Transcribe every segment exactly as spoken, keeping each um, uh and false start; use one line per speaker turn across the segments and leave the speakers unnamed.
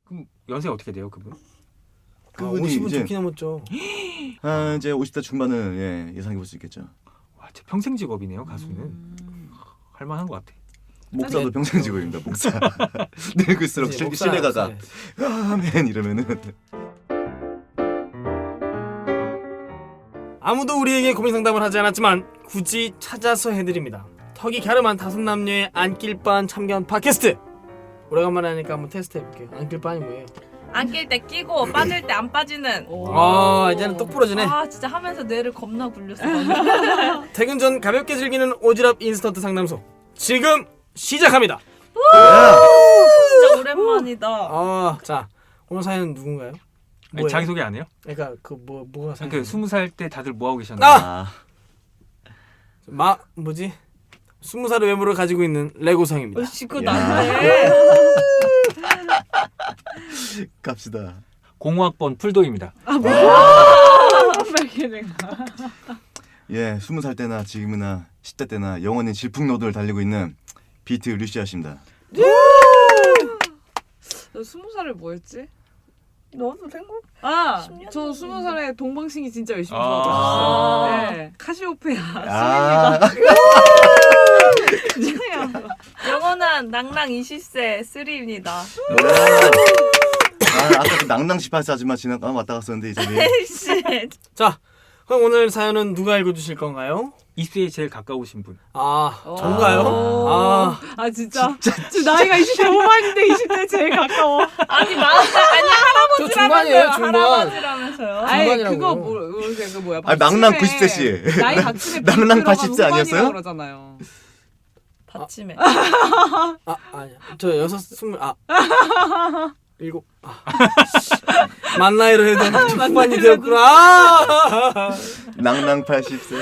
그럼 연세 어떻게 돼요, 그분?
그분이
아, 오십은
이제
좋게 넘었죠.
아, 이제 오십 대 중반을 예, 예상해 볼 수 있겠죠.
와, 진짜 평생 직업이네요, 가수는.
음.
할만한 것 같아.
목사도
네.
평생 직업입니다. 목사. 늙을수록
이제
실-
목사
실내 가가
네.
아멘 이러면은
아무도 우리에게 고민 상담을 하지 않았지만 굳이 찾아서 해드립니다. 턱이 갸름한 다섯 남녀의 안길반 참견 팟캐스트. 오래간만에 하니까 한번 테스트 해볼게요. 안길반이 뭐예요?
안낄 때 끼고 빠질 때 안 빠지는.
아 이제는 똑 부러지네.
아 진짜 하면서 뇌를 겁나 굴렸어.
퇴근 전 가볍게 즐기는 오지랖 인스턴트 상담소 지금 시작합니다.
진짜 오랜만이다.
아, 자 오늘 사연은 누군가요?
아니,
뭐예요?
자기소개 안 해요?
그러니까 그 뭐 뭐가 사연?
그 스무 살 때 다들 뭐 하고 계셨나요?
아!
아,
마 뭐지? 스무 살의 외모를 가지고 있는 레고상입니다.
어씨 그거
야.
난데.
갑시다.
공학번 풀도입니다.
예, 스무 살 때나 지금이나 십 대 때나 영원히 질풍노도를 달리고 있는 비트 루시아 씨입니다.
저 스무 살에 뭐였지?
너도 생각?
아,
십 년
저 스무 살에 동방신기 진짜 열심히
아.
좋아했어요. 네, 카시오페아.
아,
영원한 낭랑 이십 세 쓰리입니다.
아, 아까 그 낭낭 십팔 세 아줌마 지나가 왔다 갔었는데 이제
씨.
자 그럼 오늘 사연은 누가 읽어주실 건가요?
이십 세에 제일 가까우신 분.
아
오.
전가요? 아
아 진짜. 지금 나이가 이십 대 후반인데 이십 대 제일 가까워.
아니 마 아니
저 중반이에요 중반.
할아버지라면서요.
아이
중반이라고요.
그거 뭐 모르겠어요. 그 뭐야?
아, 낭낭
받침에
구십 세 씨.
나이 받침에
낭낭
비
팔십 세
들어가면
아니었어요?
후반이라고 그러잖아요.
받침에.
아 아니야 저 여섯 스물 아 일곱 아 만 나이로 해도 후반이 되었구나. 아!
낭낭 팔십 세.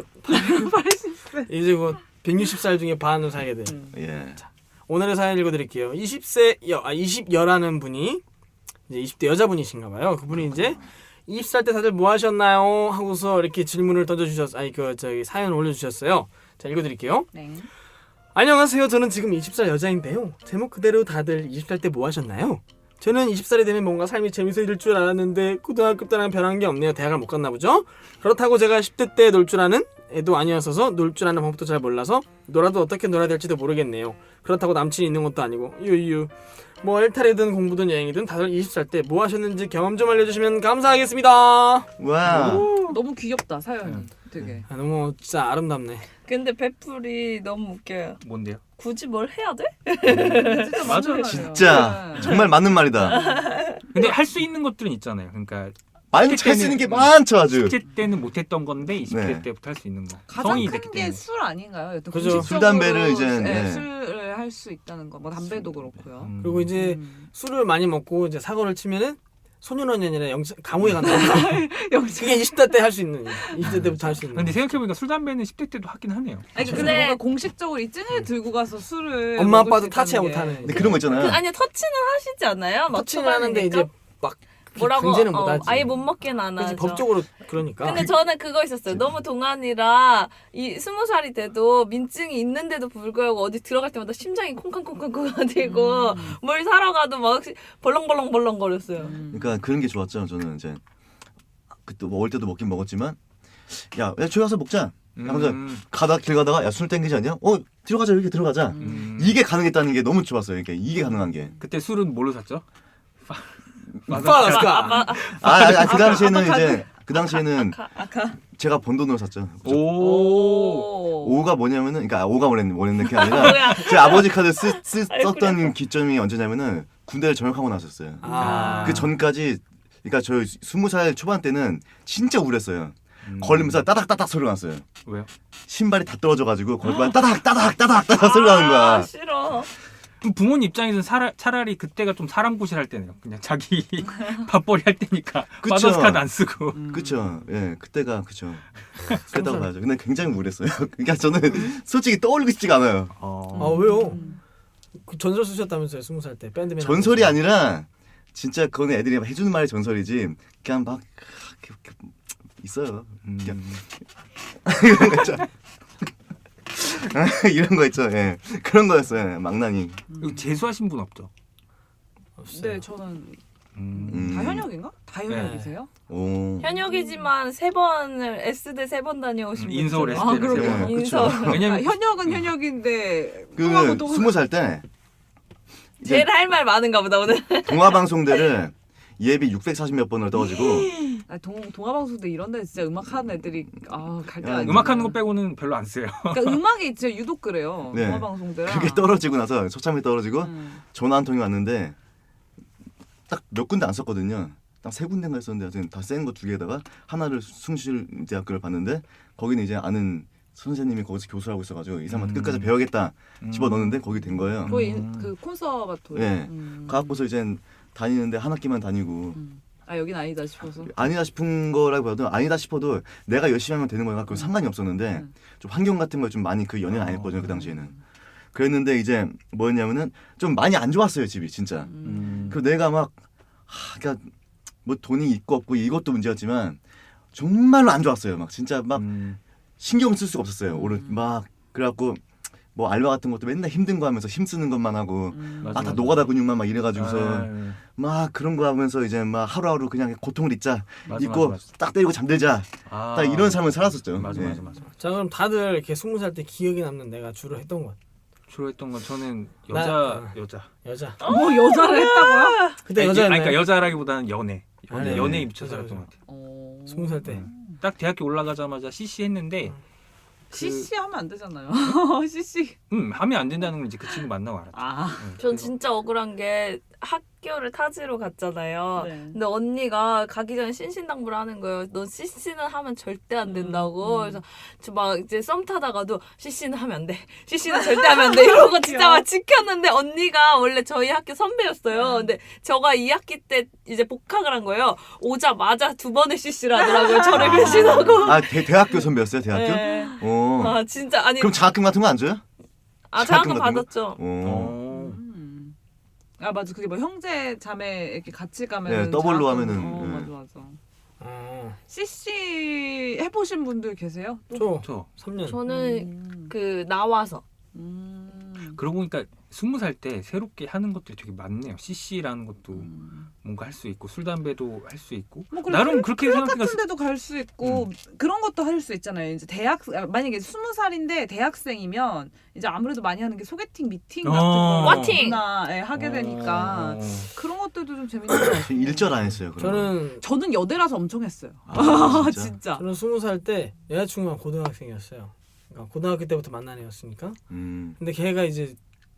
팔십 세.
이제 곧 백육십 살 중에 반을 살게 돼.
예.
오늘의 사연 읽어드릴게요. 이십 세 여, 아 이십 여라는 분이 이제 이십 대 여자분이신가봐요. 그분이 이제 이십 살 때 다들 뭐 하셨나요? 하고서 이렇게 질문을 던져주셨, 아니 그 저기 사연 올려주셨어요. 자 읽어드릴게요.
네.
안녕하세요. 저는 지금 이십 살 여자인데요. 제목 그대로 다들 이십 살 때 뭐 하셨나요? 저는 이십 살이 되면 뭔가 삶이 재밌어질 줄 알았는데 고등학교 때랑 변한 게 없네요. 대학을 못 갔나 보죠? 그렇다고 제가 십 대 때 놀 줄 아는 애도 아니었어서 놀 줄 아는 방법도 잘 몰라서 놀아도 어떻게 놀아야 될지도 모르겠네요. 그렇다고 남친이 있는 것도 아니고 유유 뭐 일탈이든 공부든 여행이든 다들 이십 살 때 뭐 하셨는지 경험 좀 알려주시면 감사하겠습니다.
와.
너무 귀엽다 사연이.
음.
되게.
아, 너무 진짜 아름답네.
근데 배풀이 너무 웃겨요.
뭔데요?
굳이 뭘 해야 돼?
진짜
맞아요.
맞아요.
진짜 정말 맞는 말이다.
근데 할 수 있는 것들은 있잖아요. 그러니까
많이 할 수 있는 게 많죠 아주.
십 대 때는 못했던 건데 이십 대
네.
때부터 할 수 있는 거.
가장
성인이
큰
됐기
게
때문에.
술 아닌가요? 여튼
그죠.
공식적으로
술, 담배를 이제,
네,
네.
술을 할 수 있다는 거. 뭐 담배도 그렇고요.
음.
그리고 이제
음.
술을 많이 먹고 이제 사고를 치면은 소년원이 아니라 영 감옥에 간다.
영지.
그게 이십 대 때 할 수 있는 이십 대 때부터 할 수 있는.
근데 생각해보니까 술 담배는 십 대 때도 하긴 하네요.
아니 근데
근데-
뭔가 공식적으로 이 증을 들고 가서 술을
엄마
먹을
아빠도
수
타치
있다는
못하는.
게.
근데 그런 거 있잖아요.
그, 아니 터치는 하시지 않아요? 막
터치는 하는데 이제
초반이니까?
막
뭐라고
강제는
어,
못하지.
아예 못 먹게는 안
그치,
하죠.
법적으로 그러니까.
근데 저는 그거 있었어요. 너무 동안이라 이 스무 살이 돼도 민증이 있는데도 불구하고 어디 들어갈 때마다 심장이 콩쾅콩쾅콩쾅거리고
음.
뭘 사러 가도 막 벌렁벌렁벌렁 거렸어요.
음.
그러니까 그런 게 좋았죠. 저는 이제 그때 먹을 때도 먹긴 먹었지만 야, 야 저기 가서 먹자. 하면서
음.
가다 길 가다가 야 술 땡기지 않냐? 어 들어가자 이렇게 들어가자.
음.
이게 가능했다는 게 너무 좋았어요. 그러니까 이게 가능한 게.
그때 술은 뭘로 샀죠?
파라스카.
아, 아, 아, 그 당시에는
아까
이제 그 당시에는
아카 아카.
제가 번 돈으로 샀죠.
오.
오.
오가 뭐냐면은 그러니까 오가 원했는 원했는 게 아니라
뭐야?
제 아버지 카드 쓰, 쓰,
아이고,
썼던
그래.
기점이 언제냐면은 군대를 전역하고 나섰어요.
아.
그 전까지 그러니까 저 스무 살 초반 때는 진짜 우울했어요.
음.
걸리면서 따닥따닥 소리가 났어요.
왜요?
신발이 다 떨어져가지고 걸리면 따닥 따닥 따닥 따닥 소리가 나는
아,
거야.
싫어.
그럼 부모님 입장에서는 사라, 차라리 그때가 좀 사람 구실 할 때네요. 그냥 자기 밥벌이 할 때니까
그쵸.
마더스 카드 안 쓰고.
음.
그쵸. 예, 그때가 그쵸. 그랬다고 봐야죠. 근데 굉장히 우울했어요. 그러니까 저는 솔직히 떠올리고 싶지가 않아요.
어.
아 왜요?
음.
그 전설 쓰셨다면서요 스무 살 때 밴드맨.
전설이 아니라 진짜 그거는 애들이 막 해주는 말이 전설이지. 그냥 막 이렇게, 이렇게 있어요.
음.
이런 거 있죠. 이런 거 있죠. 예, 그런 거였어요. 망나니.
이거 재수하신 분 없죠?
없어요.
네, 저는
음.
음.
다 현역인가? 다 현역이세요?
오.
현역이지만 세 번을 S대 세 번 다녀오신 분
인서울
있잖아요.
아,
S대를 세
그렇구나.
번.
인서울.
아,
왜냐면
현역은 현역인데 또 하고
그
또
스무 살 때 이제
제일 할 말 많은가 보다 오늘.
동화방송대를 예비 육백사십 몇 번을 떠가지고
아, 동 동아방송대 이런 데 진짜 음악 하는 애들이 아갈
야,
때가
음악하는 거 빼고는 별로 안 써요.
그러니까 음악이 진짜 유독 그래요.
네.
동아방송대랑
그게 떨어지고 나서 처참히 떨어지고
음.
전화 한 통이 왔는데 딱 몇 군데 안 썼거든요. 딱 세 군데인가 썼는데 하여튼 다 센 거 두 개에다가 하나를 숭실대학교를 봤는데 거기는 이제 아는 선생님이 거기서 교수를 하고 있어가지고 이 사람한테
음.
끝까지 배우겠다
음.
집어넣었는데 거기 된 거예요.
거의
음.
그 콘서바토리.
네.
음.
가갖고서 이제 다니는데 한 학기만 다니고
음. 아 여긴 아니다 싶어서.
아니다 싶은 거라기보다도 아니다 싶어도 내가 열심히 하면 되는 거니까 그
음.
상관이 없었는데
음.
좀 환경 같은 걸 좀 많이 그 연애는 안 했거든요 그 당시에는. 그랬는데 이제 뭐였냐면은 좀 많이 안 좋았어요 집이 진짜.
음.
그 내가 막 하, 그러니까 뭐 돈이 있고 없고 이것도 문제였지만 정말로 안 좋았어요. 막 진짜 막
음.
신경 쓸 수가 없었어요.
음.
오늘 막 그래갖고 뭐 알바 같은 것도 맨날 힘든 거 하면서 힘쓰는 것만 하고
음.
맞아,
아 다
맞아.
노가다 근육만 막 이래가지고서
아유,
막 그런 거 하면서 이제 막 하루하루 그냥 고통을 잊자
맞아,
잊고
맞아, 맞아.
딱 때리고 잠들자
아.
딱 이런 삶을 살았었죠.
맞아
네.
맞아 맞아.
자 그럼 다들 이렇게 스무 살 때 기억에 남는 내가 주로 했던 것
주로 했던 건 저는
나-
여자
어.
여자.
여자.
뭐 여자를 했다고요?
그때
아니,
여자였나요?
아니, 그러니까 여자라기보다는 연애. 연애
아니,
연애에
아니,
미쳐서
여자,
했던
여자.
것 같아요.
어...
스무 살 때.
딱 대학교 올라가자마자 씨씨 했는데 그-
씨씨 하면 안 되잖아요. 씨씨.
음 하면 안 된다는 걸 이제 그 친구 만나고 알았죠.
아.
음,
전
그래서-
진짜 억울한 게 학교를 타지로 갔잖아요.
네.
근데 언니가 가기 전에 신신당부를 하는 거예요. 넌 씨씨는 하면 절대 안 된다고.
음, 음.
그래서 저 막 이제 썸 타다가도 씨씨는 하면 안 돼. 씨씨는 절대 하면 안 돼. 이러고 진짜 막 지켰는데 언니가 원래 저희 학교 선배였어요. 근데 저가 이 학기 때 이제 복학을 한 거예요. 오자마자 두 번의 씨씨를 하더라고요. 저를 배신하고.
아 대, 대학교 선배였어요 대학교?
네.
어.
아 진짜 아니
그럼 장학금 같은 거 안 줘요?
아
장학금
장학금
같은 거?
받았죠.
어.
어.
음. 아 맞아 그게 뭐 형제 자매 이렇게 같이 가면
네, 더블로 하면은,
어
네.
맞아 맞아.
어,
씨씨 해보신 분들 계세요? 또?
저
저
삼 년.
저는
음.
그 나와서
음.
그러고 보니까 스무 살 때 새롭게 하는 것들이 되게 많네요. 씨씨라는 것도
음.
뭔가 할 수 있고 술 담배도 할 수 있고
뭐 그리고
나름
클럽-
그렇게
클럽
생각해가
같은 데도 갈 수 있고 그런 것도 할 수 있잖아요. 이제 대학 아, 만약에 스무 살인데 대학생이면 이제 아무래도 많이 하는 게 소개팅 미팅 같은
어.
거
와팅!
나 예, 하게 되니까
어.
그런 것들도 좀 재밌는 것 같아요.
저 일절 안 했어요. 그런 거.
저는
저는 여대라서 엄청 했어요.
아,
진짜.
진짜?
저는 스무 살 때 여자친구가 고등학생이었어요. 그러니까 고등학교 때부터 만난 애였으니까.
음.
근데 걔가 이제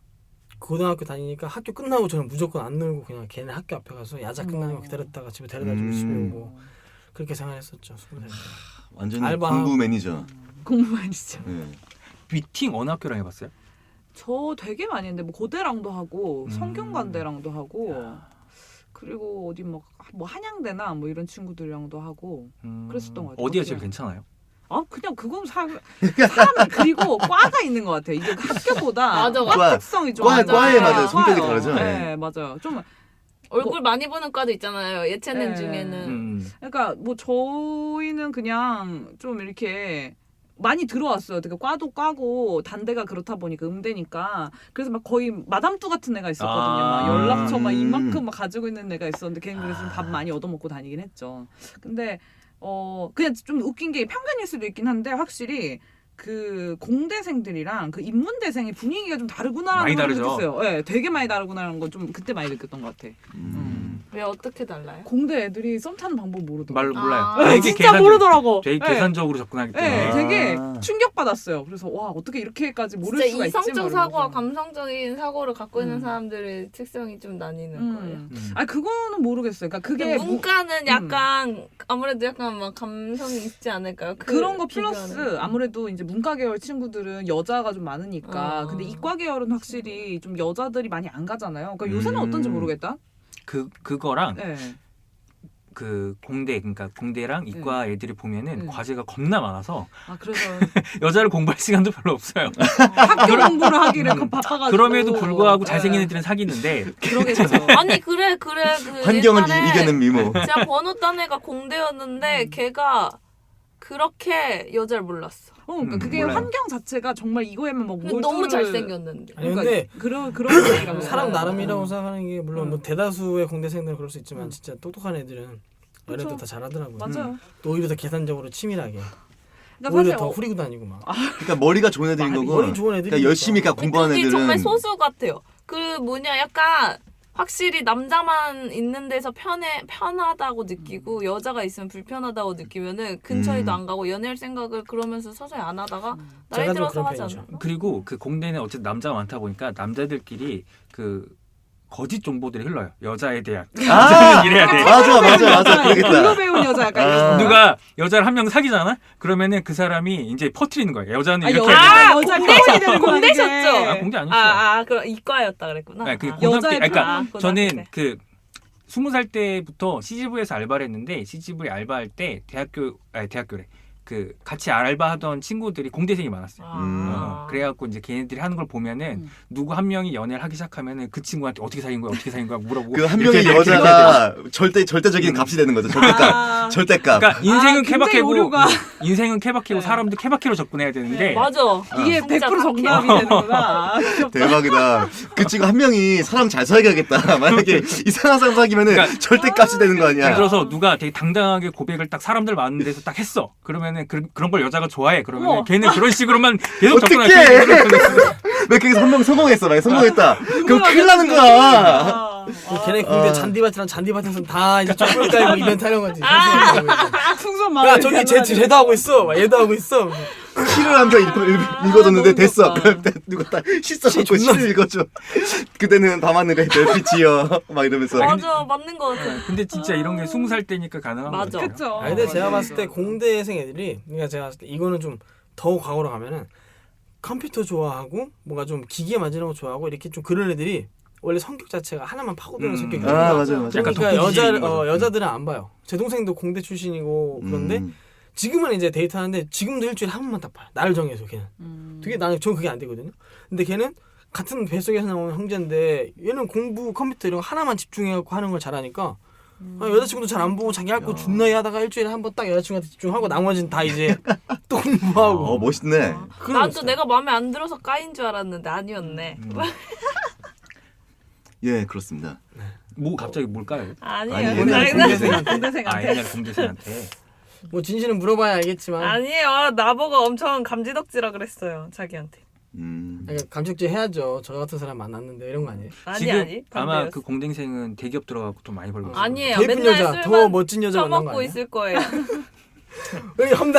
고등학교 다니니까 학교 끝나고 저는 무조건 안 놀고 그냥 걔네 학교 앞에 가서 야자 끝나는 거 기다렸다가 집에 데려다주고
음.
집에 오고 그렇게 생활했었죠. 스무 살 때.
완전히
알바하고.
공부 매니저.
공부만이죠.
네.
미팅 어느 학교랑 해봤어요?
저 되게 많이 했는데 뭐 고대랑도 하고
음.
성균관대랑도 하고 그리고 어디 뭐, 뭐 한양대나 뭐 이런 친구들이랑도 하고
음,
그랬었던 것 같아요.
어디가
어떻게
제일 괜찮아요?
아 그냥 그건 사, 사람 그리고 과가 있는 것 같아요. 이게 학교보다
맞아,
과
과-
특성이 좀
과-
맞아요.
과에 맞아요.
과요.
성격이 다르죠.
네, 맞아요. 좀
얼굴 많이 보는 과도 있잖아요. 예체능
네.
중에는.
음.
그러니까 뭐 저희는 그냥 좀 이렇게 많이 들어왔어요. 되게 과도 과고 단대가 그렇다 보니까 음대니까 그래서 막 거의 마담뚜 같은 애가 있었거든요.
아.
막 연락처 막
음.
이만큼 막 가지고 있는 애가 있었는데 걔는 그래서 좀 밥 많이 얻어먹고 다니긴 했죠. 근데 어 그냥 좀 웃긴 게 편견일 수도 있긴 한데 확실히 그 공대생들이랑 그 인문대생의 분위기가 좀 다르구나라는
많이
걸
다르죠.
느꼈어요. 네, 되게 많이 다르구나라는 거 좀 그때 많이 느꼈던 것 같아.
음.
왜 어떻게 달라요?
공대 애들이 썸 타는 방법 모르더라고.
말 몰라요.
아.
되게
진짜
계산적-
모르더라고.
되게
네.
계산적으로 접근하기 때문에.
네,
아.
되게 충격받았어요. 그래서 와 어떻게 이렇게까지 모를
진짜
수가 있지?
이성적
막
사고와
이러면서.
감성적인 사고를 갖고 있는
음.
사람들의 특성이 좀 나뉘는
음.
거예요.
음.
아 그거는 모르겠어요. 그러니까 그게
근데
뭐-
문과는 약간 아무래도 약간 막 감성이 있지 않을까요? 그
그런 거
비교하는
플러스
거.
아무래도 이제 문과 계열 친구들은 여자가 좀 많으니까
어.
근데 이과 계열은 확실히 좀 여자들이 많이 안 가잖아요. 그러니까 요새는
음.
어떤지 모르겠다.
그 그거랑
네.
그 공대 그러니까 공대랑 이과 애들이 보면은
네.
과제가 겁나 많아서
아 그래서
여자를 공부할 시간도 별로 없어요.
학교 공부를 하기를 그 바빠가지고
그럼에도 불구하고
네.
잘생긴 애들은 사귀는데
그러겠죠.
아니 그래 그래 그
환경을
옛날에
이- 이겨낸 미모.
제가 번호 딴 애가 공대였는데
음.
걔가 그렇게 여자를 몰랐어.
어, 그러니까
음,
그게
몰라요.
환경 자체가 정말 이거에만 막
근데
몰두를
너무 잘생겼는데.
아니
그러니까
근데
그런 그런 얘기라고
사람
생각해요.
나름이라고 생각하는 게 물론 뭐
음.
대다수의 공대생들은 그럴 수 있지만
음.
진짜 똑똑한 애들은 연애도
그쵸.
다 잘하더라고요.
맞아요.
또 오히려 더 계산적으로 치밀하게
그러니까
오히려
사실
더
어,
후리고 다니고 막.
그러니까 머리가 좋은 애들인
머리
거고.
좋은 애들이
그러니까 열심히 그러니까 공부하는
그게
애들은
정말 소수 같아요. 그 뭐냐 약간 확실히 남자만 있는 데서 편해 편하다고 느끼고 여자가 있으면 불편하다고 느끼면은 근처에도
음.
안 가고 연애할 생각을 그러면서 서서히 안 하다가 나이
제가 좀
들어서
그런
하지
편이죠.
않나?
그리고 그 공대는 어쨌든 남자가 많다 보니까 남자들끼리 그 거짓 정보들이 흘러요. 여자에 대한.
아!
여자는 이래야 돼.
맞아 맞아 맞아
글로
그러겠다.
배운 여자 약간
아.
이런 거.
누가 여자를 한 명 사귀잖아? 그러면은 그 사람이 이제 퍼트리는 거예요. 여자는
아,
이렇게
여자,
해야 돼.
여자
공대-
공대이 되는 거야,
공대셨죠?
그게.
아, 공대 아니었어.
아, 아, 그럼 이과였다 그랬구나.
네, 그
아.
고등학교
여자의
때, 그러니까
아, 고등학교
저는
때.
그 스무 살 때부터 씨지브이에서 알바를 했는데 씨지브이 알바할 때 대학교 아니 대학교래. 그 같이 알바하던 친구들이 공대생이 많았어요.
음.
어, 그래갖고 이제 걔네들이 하는 걸 보면은
음.
누구 한 명이 연애를 하기 시작하면은 그 친구한테 어떻게 사귄 거야, 어떻게 사귄 거야 물어보고
그 한
이렇게
명의
이렇게 이렇게
여자가 절대 절대적인 값이 되는 거죠. 절대값.
아.
절대값.
그러니까 인생은
아, 굉장히
케바케고
오류가.
인생은 케바케고
네.
사람도 케바케로 접근해야 되는데
맞아.
이게
진짜
백 퍼센트 정답이
착해.
되는구나. 아, 귀엽다.
대박이다. 그 친구 한 명이 사람 잘 사귀어야겠다. 만약에 이상한 사람 사귀면은
그러니까-
절대값이 되는 거
예를
아니야.
들어서 누가 되게 당당하게 고백을 딱 사람들 많은 데서 딱 했어. 그러면은 그, 그런 걸 여자가 좋아해. 그러면
어머.
걔는 그런 식으로만 계속
어떡해!
접근할
왜 거기서 한 명 성공했어. 만약 성공했다. 그럼
누구나
큰일 나는 거야.
아,
그 걔네 공대
아.
잔디밭이랑 잔디밭에서 다 이제 쪼꼬리 깔고 이벤트 하는 거지.
풍선
야
마을.
저기 쟤 쟤도 하고 있어. 막 얘도 하고 있어.
시를 한 편 읽어줬는데
너무
됐어.
귀엽다.
그럼 누가 딱 씻어갖고
시 존나-
시를 읽어줘. 그때는 밤하늘에 별빛이여. 막 이러면서.
맞아, 맞는 거 같아.
근데 진짜 이런 게 스무 살 때니까 가능한
맞아.
거죠.
그쵸.
아 근데 제가
맞아요.
봤을 때 공대생 애들이 그러니까 제가 봤을 때 이거는 좀 더 과거로 가면은 컴퓨터 좋아하고 뭔가 좀 기계 만지는 거 좋아하고 이렇게 좀 그런 애들이 원래 성격 자체가 하나만 파고드는
음.
성격이거든요.
아 맞아요 맞아요.
약간
그러니까
독특지
여자
거죠.
어, 여자들은 안 봐요. 제 동생도 공대 출신이고 그런데
음.
지금은 이제 데이트하는데 지금도 일주일에 한 번만 딱 봐요. 나를 정해서 걔는.
음.
되게 나는 전 그게 안 되거든요. 근데 걔는 같은 뱃속에서 나온 형제인데 얘는 공부 컴퓨터 이런 거 하나만 집중해갖고 하는 걸 잘하니까 아, 여자친구도 잘 안 보고 자기 할 거 존나게 하다가 일주일에 한 번 딱 여자친구한테 집중하고 나머지는 다 이제 또 공부하고
어 멋있네.
그런
나도
스타일.
내가 마음에 안 들어서 까인 줄 알았는데 아니었네.
음.
예 그렇습니다.
뭐 갑자기 뭘까요?
아니에요.
아니,
옛날에
장난-
공대생한테
아
공대생한테.
옛날 공대생한테.
뭐 진실은 물어봐야 알겠지만
아니에요. 나보고 엄청 감지덕지라 그랬어요. 자기한테.
음.
그러니까 감촉질 해야죠. 저 같은 사람 만났는데 이런 거 아니에요?
아니
지금
아니.
아마
반대였어.
그 공대생은 대기업 들어가고 돈 많이 벌고 있어요.
아니에요.
더 예쁜
맨날
여자, 더
술만
멋진 여자 만난 거
처먹고
아니야?
있을 거예요.
왜 험담?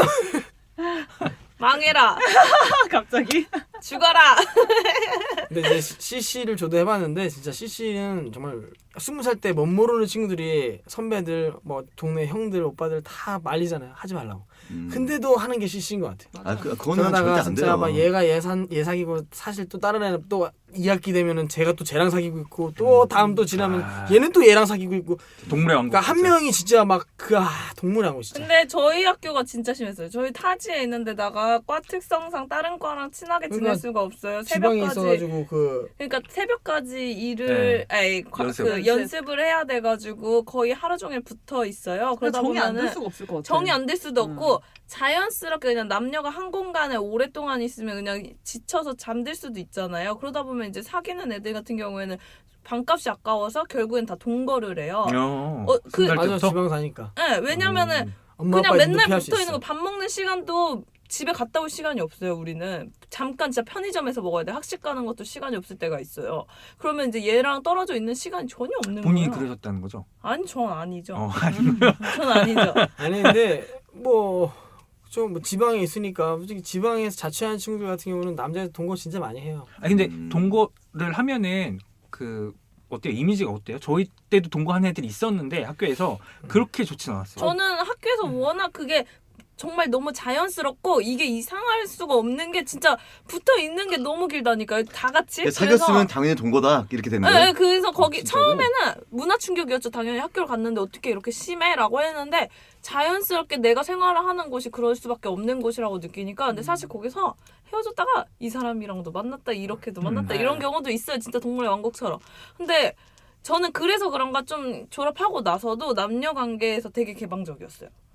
망해라.
갑자기.
죽어라.
근데 이제 씨씨를 저도 해봤는데 진짜 씨씨는 정말 스무 살 때 못 모르는 친구들이 선배들 뭐 동네 형들 오빠들 다 말리잖아요. 하지 말라고.
음.
근데도 하는 게 씨씨인 것 같아요.
아 그, 그거는 절대
그러다가
안
진짜
돼요.
막 얘가 얘산 얘 사귀고 사실 또 다른 애는 또 이 학기 되면은 제가 또 쟤랑 사귀고 있고 또 다음 또 지나면
아.
얘는 또 얘랑 사귀고 있고
동물의 왕국.
그러니까 한 명이 진짜 막 그 아 동물하고 진짜.
근데 저희 학교가 진짜 심했어요. 저희 타지에 있는 데다가 과 특성상 다른 과랑 친하게 지낼
그러니까
수가 없어요.
지방에
새벽까지.
있어가지고 그
그러니까 새벽까지 일을 아니 과-
연습.
그 연습을 해야 돼가지고 거의 하루 종일 붙어 있어요. 그러다
정이 안 될
보면은
수가 없을 것 같아.
정이 안 될 수도
음.
없고 자연스럽게 그냥 남녀가 한 공간에 오랫동안 있으면 그냥 지쳐서 잠들 수도 있잖아요. 그러다 보면 이제 사귀는 애들 같은 경우에는 방값이 아까워서 결국엔 다 동거를 해요.
어,
어, 그-
스무 살
맞아
때부터?
지방 사니까
네, 왜냐면은
엄마
그냥
아빠
맨날
눈높이 할수
붙어 있는
있어.
거 밥 먹는 시간도 집에 갔다 올 시간이 없어요. 우리는 잠깐 진짜 편의점에서 먹어야 돼. 학식 가는 것도 시간이 없을 때가 있어요. 그러면 이제 얘랑 떨어져 있는 시간이 전혀 없는
본인이
거예요.
그러셨다는 거죠?
아니 전 아니죠.
어, 아니,
전 아니죠.
아니 근데 뭐 좀 뭐 지방에 있으니까 솔직히 지방에서 자취하는 친구들 같은 경우는 남자들 동거 진짜 많이 해요.
아니 근데
음.
동거를 하면은 그 어때요? 이미지가 어때요? 저희 때도 동거하는 애들이 있었는데 학교에서 그렇게 좋진 않았어요.
저는 학교에서 워낙 그게 정말 너무 자연스럽고 이게 이상할 수가 없는 게 진짜 붙어 있는 게 너무 길다니까요. 다 같이.
야, 사귀었으면 당연히 동거다 이렇게 되는
네,
거예요.
네, 그래서 거기
진짜로?
처음에는 문화 충격이었죠. 당연히 학교를 갔는데 어떻게 이렇게 심해라고 했는데 자연스럽게 내가 생활을 하는 곳이 그럴 수밖에 없는 곳이라고 느끼니까 근데 사실 거기서 헤어졌다가 이 사람이랑도 만났다 이렇게도 만났다
음.
이런 경우도 있어요. 진짜 동물의 왕국처럼. 근데 저는 그래서 그런가 좀 졸업하고 나서도 남녀 관계에서 되게 개방적이었어요.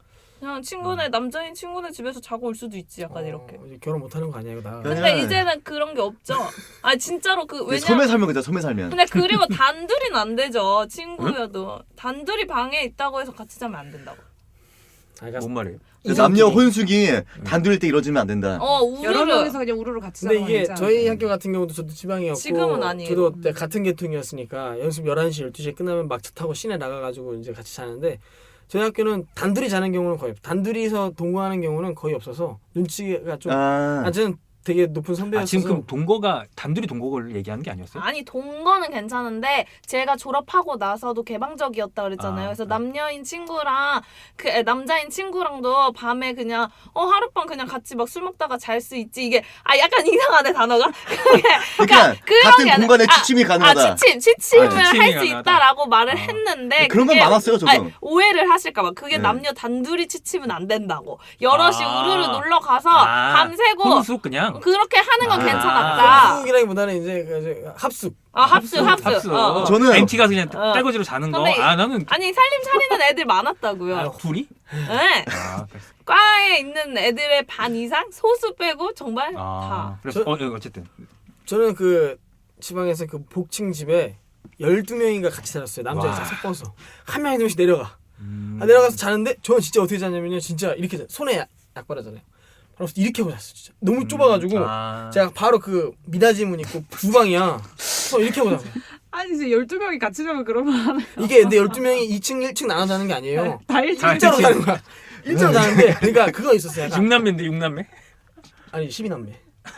그냥 친구네 남자인 친구네 집에서 자고 올 수도 있지 약간
어,
이렇게.
이제 결혼 못하는 거 아니야 이거 나.
그냥-
근데 이제는 그런 게 없죠. 아 진짜로 그
근데
왜냐.
섬에 살면 그죠 섬에 살면.
근데 그리고 단둘이는 안 되죠. 친구여도 단둘이 방에 있다고 해서 같이 자면 안 된다고.
아, 그러니까
뭔 말이에요?
그래서 남녀 혼숙이 단둘일 때 이러지면 안 된다.
어
여러
우르르.
명이서 그냥 우르르 같이
근데
자는
이게
건
저희
괜찮아요.
학교 같은 경우도 저도 지방이었고
지금은 아니에요.
저도 그때 같은 계통이었으니까 연습 열한 시 열두 시에 끝나면 막차 타고 시내 나가가지고 이제 같이 자는데 저희 학교는 단둘이 자는 경우는 거의 없- 단둘이서 동거하는 경우는 거의 없어서 눈치가 좀
아,
아, 저는 되게 높은 선배였어서
아, 지금 그 동거가 단둘이 동거를 얘기하는 게 아니었어요?
아니 동거는 괜찮은데 제가 졸업하고 나서도 개방적이었다 그랬잖아요.
아,
그래서
네.
남녀인 친구랑 그 에, 남자인 친구랑도 밤에 그냥 어 하룻밤 그냥 같이 막 술 먹다가 잘 수 있지. 이게 아 약간 이상하네 단어가. 그게
그러니까
그런
같은
게 아니라-
공간에
아,
취침이
아
가능하다.
취침 취침을
아, 취침이
할 수
가능하다.
있다라고 말을
아.
했는데
그런 건
그게-
많았어요, 저도.
아니, 오해를 하실까봐 그게
네.
남녀 단둘이 취침은 안 된다고. 여럿이
아.
우르르 놀러 가서
아,
밤새고
혼숙 그냥.
그렇게 하는 건
아.
괜찮았다.
합숙이라기보다는 이제 그 이제 합숙.
아 합숙 합숙.
합숙.
어, 어.
저는
엠티 가서 그냥
어.
떼거지로 자는 거.
근데
아 나는
아니 살림 차리는 애들 많았다고요.
아, 둘이?
네.
아, 그랬어.
과에 있는 애들의 반 이상 소수 빼고 정말
아,
다.
그래서
저-
어, 예, 어쨌든
저는 그 지방에서 그 복층 집에 열두 명인가 같이 살았어요. 남자
와.
여자 섞어서 한 명이 한 명씩 내려가.
음.
아, 내려가서 자는데 저는 진짜 어떻게 자냐면요. 진짜 이렇게 자. 손에 약, 약 바르잖아요. 바로 이렇게 하고 잤어. 진짜 너무 좁아가지고
아.
제가 바로 그 미닫이 문 있고 주방이야. 저 이렇게 하고 자고.
아니 이제 열두 명이 같이 자면 그러면 하나요?
이게 근데 열두 명이 이 층 일 층 나눠 자는 게 아니에요.
다 일찍
아,
일자로
그치.
자는 거야. 일자로 자는데 그러니까 그거 있었어요. 약간.
육남매인데 육남매?
아니 십이 남매.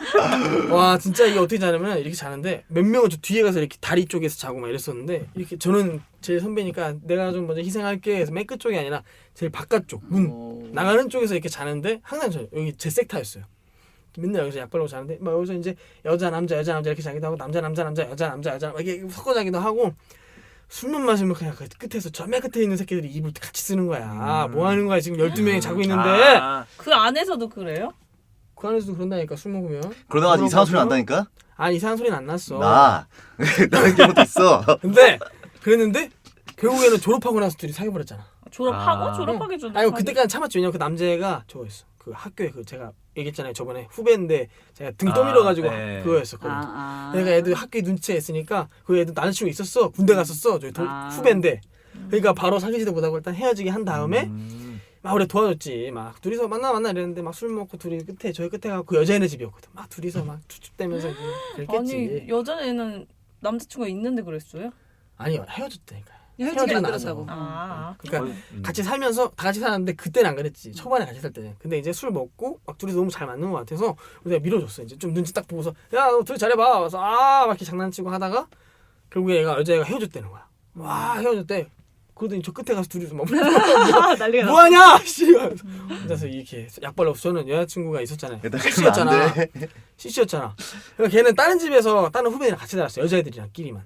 와 진짜 이게 어떻게 자냐면 이렇게 자는데 몇 명은 저 뒤에 가서 이렇게 다리 쪽에서 자고 막 이랬었는데 이렇게 저는 제일 선배니까 내가 좀 먼저 희생할게 해서 맨 끝쪽이 아니라 제일 바깥쪽 문
어.
나가는 쪽에서 이렇게 자는데 항상 저 여기 제 섹타였어요. 맨날 여기서 약 바르고 자는데 막 여기서 이제 여자 남자 여자 남자 이렇게 자기도 하고 남자 남자 남자 여자 남자 여자 막 이렇게 섞어 자기도 하고 술만 마시면 그냥 그 끝에서 저 맨 끝에 있는 새끼들이 이불 같이 쓰는 거야.
음.
뭐 하는 거야 지금 열두 명이 자고 있는데
아,
그 안에서도 그래요?
그 안에서도 그런다니까 술 먹으면
그러다가
그런
이상한 소리
거죠?
난다니까?
아니 이상한 소리는 안 났어.
나 나는 경우도 있어.
근데 그랬는데 결국에는 졸업하고 나서 둘이 사귀어 버렸잖아.
졸업하고
아.
졸업하기 전에.
아니 그때까지 참았지. 왜냐면 그 남자애가 저거였어. 그 학교에 그 제가 얘기했잖아요. 저번에 후배인데 제가 등
아,
떠밀어 가지고
네.
그거였었거든.
아, 아.
그러니까 애들 학교에 눈치가 있으니까 그 애들 남자친구 있었어. 군대 갔었어. 저희 동,
아.
후배인데. 그러니까 바로 사귀지도 못하고 일단 헤어지게 한 다음에
음.
막 우리 도와줬지. 막 둘이서 만나 만나 이랬는데 막 술 먹고 둘이 끝에 저희 끝에 가고 그 여자애네 집이었거든. 막 둘이서 막 춥춥대면서 그랬겠지.
아니 여자애는 남자친구가 있는데 그랬어요?
아니 헤어졌다니까.
헤어지게
헤어지고
만들었다고.
나서.
아.
그러니까
거의, 음.
같이 살면서 다 같이 살았는데 그때는 안 그랬지. 초반에 같이 살 때는. 근데 이제 술 먹고 막 둘이서 너무 잘 맞는 것 같아서 내가 밀어줬어. 이제 좀 눈치 딱 보고서 야 너 둘이 잘해봐. 그래서 아막 이렇게 장난치고 하다가 결국에 얘가 여자애가 헤어졌다는 거야. 와 헤어졌대. 그러더니 저 끝에 가서 둘이서 막
아, 난리가 났어.
뭐하냐 씨. 그래서 이렇게 약 발라서 저는 여자친구가 있었잖아요.
일단
씨씨였잖아.
그러면 안 돼.
씨씨였잖아. 그러니까 걔는 다른 집에서 다른 후배들이랑 같이 살았어. 여자애들이랑 끼리만.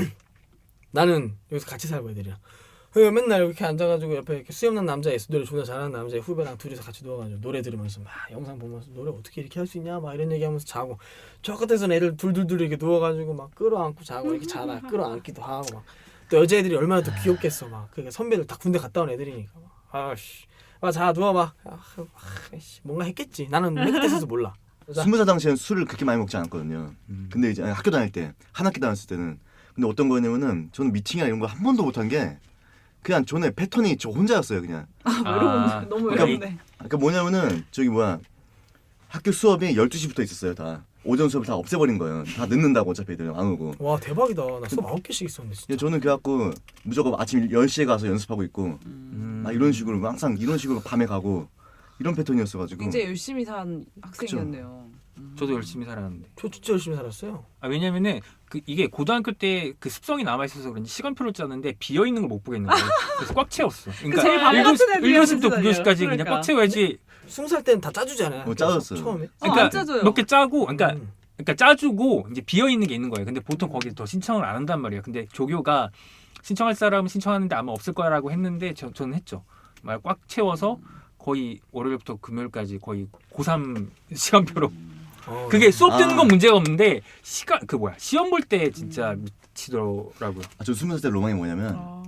나는 여기서 같이 살고 애들이랑. 그래서 맨날 이렇게 앉아가지고 옆에 이렇게 수염난 남자 있어. 노래 존나 잘하는 남자 후배랑 둘이서 같이 누워가지고 노래 들으면서 막 영상 보면서 노래 어떻게 이렇게 할 수 있냐 막 이런 얘기하면서 자고 저 끝에서는 애들 둘둘둘 이렇게 누워가지고 막 끌어안고 자고 이렇게 자다 끌어안기도 하고 막 또 여자애들이 얼마나 더 귀엽겠어 막 그러니까 선배들 다 군대 갔다 온 애들이니까 막 아씨 자 누워봐 아, 아씨 뭔가 했겠지 나는 맨 끝에 서서 몰라. 자,
스무 살 당시에는 술을 그렇게 많이 먹지 않았거든요.
음.
근데 이제 학교 다닐 때 한 학기 다녔을 때는 근데 어떤 거냐면은 저는 미팅이나 이런 거 한 번도 못한 게 그냥 저는 패턴이 저 혼자였어요 그냥.
아,
너무
그러니까
외롭네.
그러니까 뭐냐면은 저기 뭐야 학교 수업이 열두 시부터 있었어요 다. 오전 수업을 다 없애버린 거예요. 다 늦는다고 어차피 애들 안 오고.
와 대박이다. 나 수업 아홉 개씩 있었는데 진짜.
근데 저는 그래갖고 무조건 아침 열 시에 가서 연습하고 있고
음.
막 이런 식으로 항상 이런 식으로 밤에 가고 이런 패턴이었어가지고
굉장히 열심히 산 학생이었네요. 음.
저도 열심히 살았는데.
저 진짜 열심히 살았어요.
아, 왜냐면은 그 이게 고등학교 때 그 습성이 남아 있어서 그런지 시간표를 짜는데 비어 있는 걸 못 보겠는 거예요. 그래서 꽉 채웠어. 그러니까
제일 밥 같은 애
일 교시부터
비어있는
구 교시까지 그냥
그러니까.
꽉 채워야지.
스무 살 때는 다 짜주잖아요.
어, 짜줬어요.
처음에.
어,
그러니까
안 짜줘요.
몇 개 짜고, 그러니까
음.
그러니까 짜주고 이제 비어 있는 게 있는 거예요. 근데 보통 거기 더 신청을 안 한단 말이에요. 근데 조교가 신청할 사람은 신청하는데 아마 없을 거라고 했는데 저, 저는 했죠. 말 꽉 채워서 거의 월요일부터 금요일까지 거의 고삼 시간표로.
어,
그게 수업 듣는
아.
건 문제가 없는데 시간 그 뭐야 시험 볼 때 진짜 미치더라고요.
아, 저 스무 살 때 로망이 뭐냐면
아.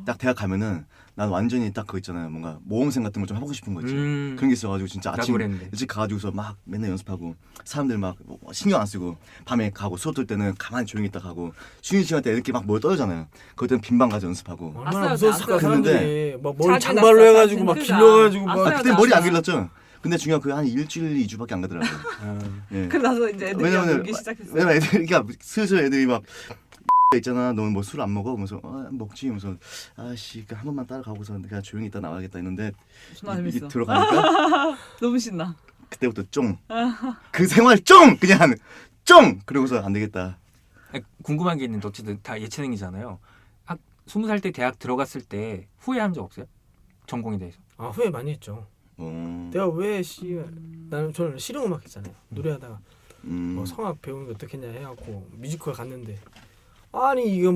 딱 대학 가면은 난 완전히 딱 그거 있잖아요. 뭔가 모험생 같은 걸 좀 하고 싶은 거 있지.
음.
그런 게 있어가지고 진짜
나도
아침
그랬는데.
일찍 가가지고서 막 맨날 연습하고 사람들 막 신경 안 쓰고 밤에 가고 수업 들 때는 가만히 조용히 있다 가고 쉬는 시간 때 이렇게 막 뭘 떠들잖아요. 그때는 빈방 가서 연습하고.
얼마나
아싸요,
무서웠을까
아싸요.
사람들이 막 머리
자주
장발로
났어,
해가지고 막
자주.
길러가지고
그러니까.
막
아싸요.
그때 머리 안
나도.
길렀죠. 근데 중요한 그 한 일주일, 이주밖에 안 가더라고요.
아.
예.
그래 나서 이제 애들이
왜냐면
놀기 시작했어.
왜냐면 애들이 그러니까 슬슬 애들이 막 있잖아. 너는 뭐 술 안 먹어? 그래서 아, 먹지. 그래서 아씨 한 번만 따라가고서 그냥 조용히 있다 나와야겠다 했는데
존나
이, 이
재밌어.
들어가니까
너무 신나.
그때부터 쫑. 그 생활 쫑 그냥 쫑. 그러고서 안 되겠다.
아니, 궁금한 게 있는데 어쨌든 다 예체능이잖아요. 학 스무 살 때 대학 들어갔을 때 후회한 적 없어요? 전공에 대해서.
아 후회 많이 했죠.
어.
내가 왜씨 나는 저는 실용음악 했잖아요. 노래하다가
음.
뭐 성악 배우는 게 어떻겠냐 해갖고 뮤지컬 갔는데 아니 이건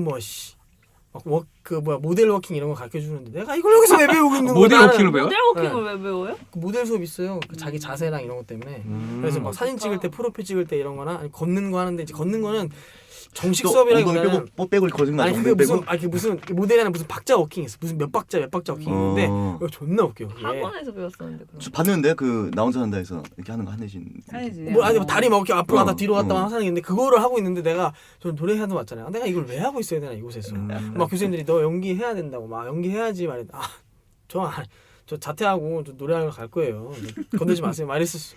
뭐씨막워그 뭐야 모델 워킹 이런 거 가르쳐 주는데 내가 이걸 여기서 왜 배우고 있는 거야?
모델
나는
워킹을 배워?
모델 워킹을 왜 배워요?
그 모델 수업 있어요. 그 자기 자세랑 이런 것 때문에.
음.
그래서 막 사진 찍을 때 프로필 찍을 때 이런 거나 아니 걷는 거 하는데 이제 걷는 거는 정식
또
수업이라기보다는
엉덩이 빼고 빼고 거짓말
아니 그게 무슨 아니 그 무슨 모델이 하는 무슨 박자 워킹 있어. 무슨 몇 박자 몇 박자 워킹 있는데
어.
이거 존나 웃겨. 그게.
학원에서 배웠었는데 그런
저 봤는데 그 나 혼자 산다 해서 이렇게 하는 거 한혜진.
해야지.
뭐 아니 뭐 다리 막 이렇게 앞으로
어,
갔다 뒤로 갔다
어.
하는 게 있는데 그거를 하고 있는데 내가 저 노래하는 거 맞잖아요. 내가 이걸 왜 하고 있어야 되나 이곳에서.
음.
막 교수님들이 너 연기해야 된다고 막 연기해야지 말해. 아저 저 자퇴하고 저 노래하러 갈 거예요. 건들지 마세요. 말했었어.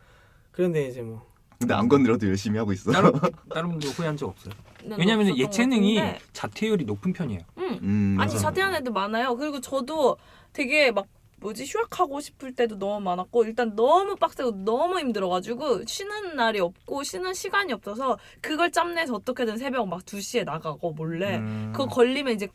그런데 이제 뭐
근데 안 건드려도 열심히 하고 있어.
다른 다른 분도 후회한 적 없어요?
난
왜냐하면
없었던 것
예체능이
같은데.
자퇴율이 높은 편이에요.
응.
음,
아니
맞아.
자퇴한 애들 많아요. 그리고 저도 되게 막 뭐지 휴학하고 싶을 때도 너무 많았고 일단 너무 빡세고 너무 힘들어가지고 쉬는 날이 없고 쉬는 시간이 없어서 그걸 짬내서 어떻게든 새벽 막 두 시에 나가고 몰래
음.
그거 걸리면 이제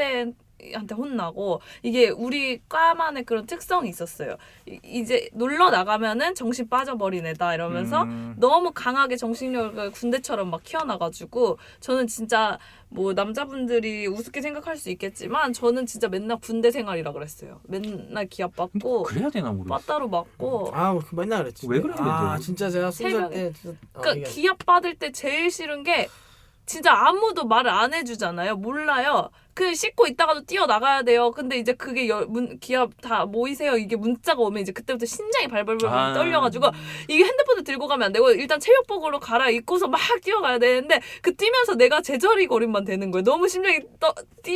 과대한테 혼나고 이게 우리 과만의 그런 특성이 있었어요. 이, 이제 놀러 나가면은 정신 빠져버린 애다 이러면서
음.
너무 강하게 정신력을 군대처럼 막 키워나가지고 저는 진짜 뭐 남자분들이 우습게 생각할 수 있겠지만 저는 진짜 맨날 군대 생활이라 그랬어요. 맨날 기합 받고
그래야 되나 모르겠어.
빠따로 맞고
아, 그 맨날 그랬지.
왜 그러는데?
아, 진짜 제가 스무 살
새벽에.
때 진짜 어,
그러니까
이게
기합 받을 때 제일 싫은 게 진짜 아무도 말을 안 해주잖아요. 몰라요. 그 씻고 있다가도 뛰어 나가야 돼요. 근데 이제 그게 여, 문, 기합 다 모이세요. 이게 문자가 오면 이제 그때부터 심장이 발발발
아.
떨려가지고 이게 핸드폰을 들고 가면 안 되고 일단 체육복으로 갈아입고서 막 뛰어가야 되는데 그 뛰면서 내가 제자리 걸음만 되는 거예요. 너무 심장이 떠,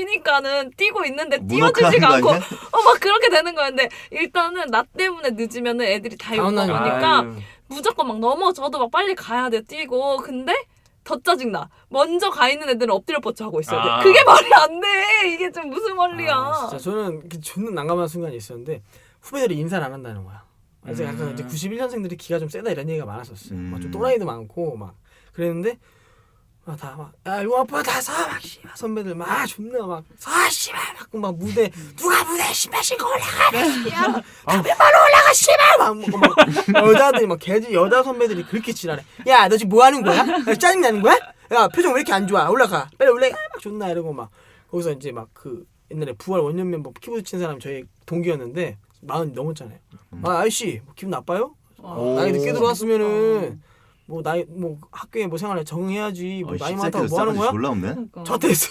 뛰니까는 뛰고 있는데 뛰어주지가
문어크하는
않고
거 아니야?
어 막 그렇게 되는 거였는데 일단은 나 때문에 늦으면은 애들이 다
다음 날
욕먹으니까
아유.
무조건 막 넘어져도 막 빨리 가야 돼 뛰고 근데 더 짜증나. 먼저 가 있는 애들은 엎드려 뻗쳐 하고 있어야 돼.
아.
그게 말이 안 돼. 이게 좀 무슨 원리야.
아, 진짜 저는 그 존나 난감한 순간이 있었는데 후배들이 인사를 안 한다는 거야. 그래서
음.
약간 이제 구십일 년생들이 기가 좀 세다 이런 얘기가 많았었어요.
음.
막 좀 또라이도 많고 막 그랬는데 아, 다 막 야 이거 아빠 다사막 씨발 선배들 막 존나 막사 씨발 막, 막 무대 누가 무대 신발 신고 올라가 씨발 담배바로 올라가 씨발 막, 막, 막 여자들이 막 개지 여자 선배들이 그렇게 지랄해. 야 너 지금 뭐 하는 거야? 야, 짜증 나는 거야? 야 표정 왜 이렇게 안 좋아? 올라가 빨리 올라가 막 존나 이러고 막 거기서 이제 막 그 옛날에 부활 원년 멤버 키보드 친 사람 저희 동기였는데 마흔 넘었잖아요. 아 아저씨 뭐 기분 나빠요?
오.
나이 늦게 들어왔으면은 뭐 나이 뭐 학교에 뭐 생활에 적응해야지 뭐
어,
나이
이
많다고
새끼들
뭐 하는
싸가지
거야?
졸라 없네.
그러니까.
자퇴했어.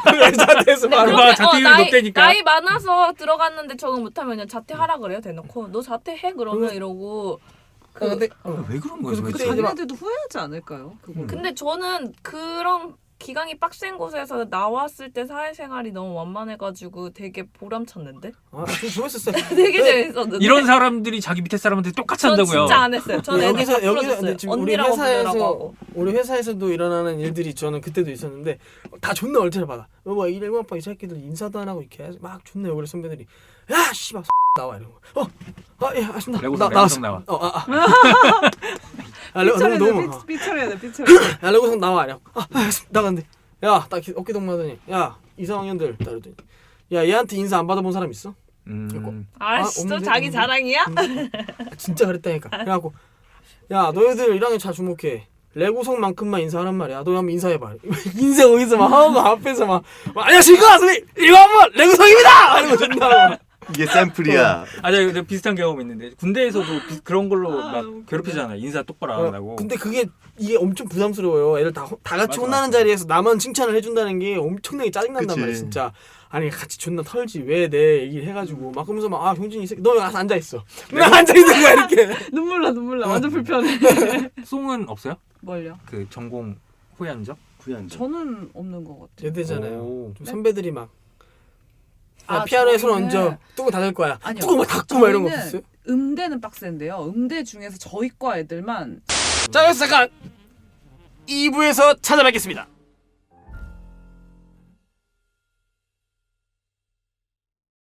자퇴했어
네,
바로.
그거
그렇게,
자퇴율이
나이,
높다니까.
나이 많아서 들어갔는데 적응 못하면 자퇴하라 그래요 대놓고. 너 자퇴해 그러면
그-
이러고.
그, 근데
아, 왜 그런 거야?
그래서
도대체?
그때 이제 막-
자기네들도 후회하지 않을까요? 그거.
근데 저는 그런 기강이 빡센 곳에서 나왔을 때 사회생활이 너무 완만해가지고 되게 보람찼는데?
아, 좀 좋았었어요.
되게
네.
재밌었는데?
이런 사람들이 자기 밑에 사람한테 똑같이
전
한다고요.
진짜 안 했어요. 전 애들
여기서
다
여기서
풀어줬어요.
근데 지금 우리
언니라고 부르라고
회사에서
하고.
우리 회사에서도 일어나는 일들이 저는 그때도 있었는데 다 존나 얼차려 받아. 뭐 이래고 아빠 이 새끼들 인사도 안 하고 이렇게 해서 막 존나 욕을 해 선배들이. 야 씨발 나와 이러고. 어, 아예 아쉽다.
레고성,
나
레고성
나왔어.
나와.
어, 아, 아. 아, 레고 너무 너무. 어.
삐처리해야 돼, 삐처리.
야 레고성 나와 이래. 아, 아 나간대. 야, 딱 어깨 동무하더니 야 이상학년들 따르더니 야 얘한테 인사 안 받아본 사람 있어?
음.
아씨,
아,
또
없는데?
자기
없는데?
자랑이야?
아, 진짜 그랬다니까. 그래갖고 야 너희들 일 학년 잘 주목해. 레고성만큼만 인사하란 말이야. 너 한번 인사해봐. 인사 거기서 막 하고 앞에서 막, 막 안녕하십니까 선생님 이거 한번 레고성입니다. 이러고 존나.
이게 샘플이야.
아, 저, 저 비슷한 경험 있는데 군대에서도 비, 그런 걸로
아,
막
웃기네.
괴롭히잖아요. 인사 똑바로 안
어,
한다고.
근데 그게 이게 엄청 부담스러워요. 애들 다, 다 같이
맞아,
혼나는
맞아.
자리에서 나만 칭찬을 해준다는 게 엄청나게 짜증난단
그치.
말이야 진짜. 아니 같이 존나 털지 왜 내 얘기를 해가지고 막 그러면서 막 아 병준이 이 새끼 너 왜 가서 앉아 있어. 나 앉아 있는 거야 이렇게.
눈물 나 눈물 나 완전 불편해.
송은 없어요?
뭘요?
그 전공 후회한 적?
후회한 적.
저는 없는 것 같아요.
예대잖아요.
오.
좀 선배들이 막 야,
아,
피아노에 손
저희는-
얹어 뚜껑 닫을 거야.
아니요.
뚜껑 막 닫고 막 이런 거
저희는
없었어요?
음대는 빡센데요. 음대 중에서 저희 과 애들만
자 여기서 잠깐 이 부에서 찾아뵙겠습니다.